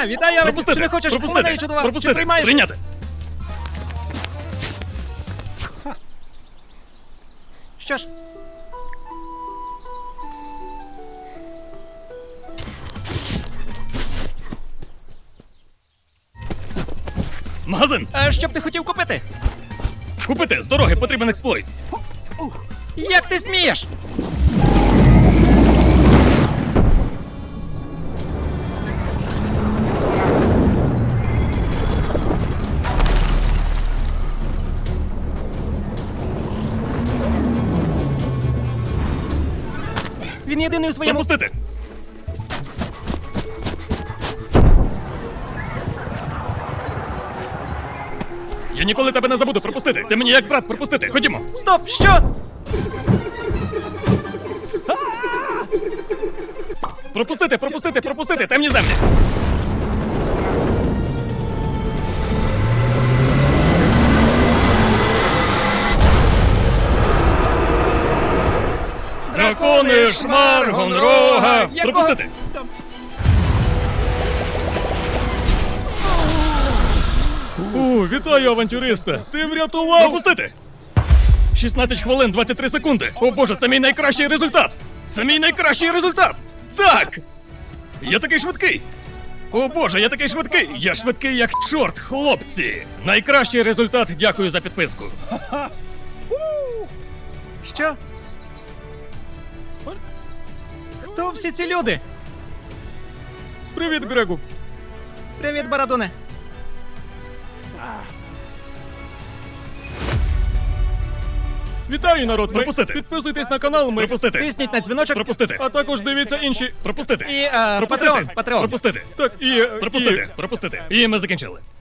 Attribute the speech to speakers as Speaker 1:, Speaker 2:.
Speaker 1: Вітаю,
Speaker 2: Пропустити!
Speaker 1: чи не хочеш?
Speaker 2: Пропустити!
Speaker 1: У мене є чудова.
Speaker 2: Пропустити!
Speaker 1: Чи приймаєш?
Speaker 2: Прийняти!
Speaker 1: Що ж?
Speaker 2: Магазин!
Speaker 1: Що б ти хотів купити?
Speaker 2: Купити! З дороги потрібен експлойт!
Speaker 1: Як ти смієш? Він єдиний у своєму...
Speaker 2: Пропустити! Я ніколи тебе не забуду пропустити! Ти мені як брат пропустити! Ходімо!
Speaker 1: Стоп! Що?
Speaker 2: Пропустити! Пропустити! Пропустити! Темні землі! Дракони Шмаргонрога!
Speaker 1: Якого?
Speaker 2: Пропустити! О, вітаю, авантюриста! Ти врятував! Пропустити! 16 хвилин, 23 секунди! О боже, це мій найкращий результат! Це мій найкращий результат! Так! Я такий швидкий! О боже, я такий швидкий! Я швидкий як чорт, хлопці! Найкращий результат, дякую за підписку.
Speaker 1: Що? Хто всі ці люди?
Speaker 2: Привіт, Грегу!
Speaker 1: Привіт, Барадуне.
Speaker 2: Вітаю, народ! Пропустити! Підписуйтесь на канал, пропустити!
Speaker 1: Тисніть на дзвіночок.
Speaker 2: Пропустити! А також дивіться інші. Пропустити!
Speaker 1: І,
Speaker 2: Пропустити!
Speaker 1: Патреон.
Speaker 2: Пропустити! Так, і...
Speaker 1: Е,
Speaker 2: Пропустити! Пропустити! І ми закінчили.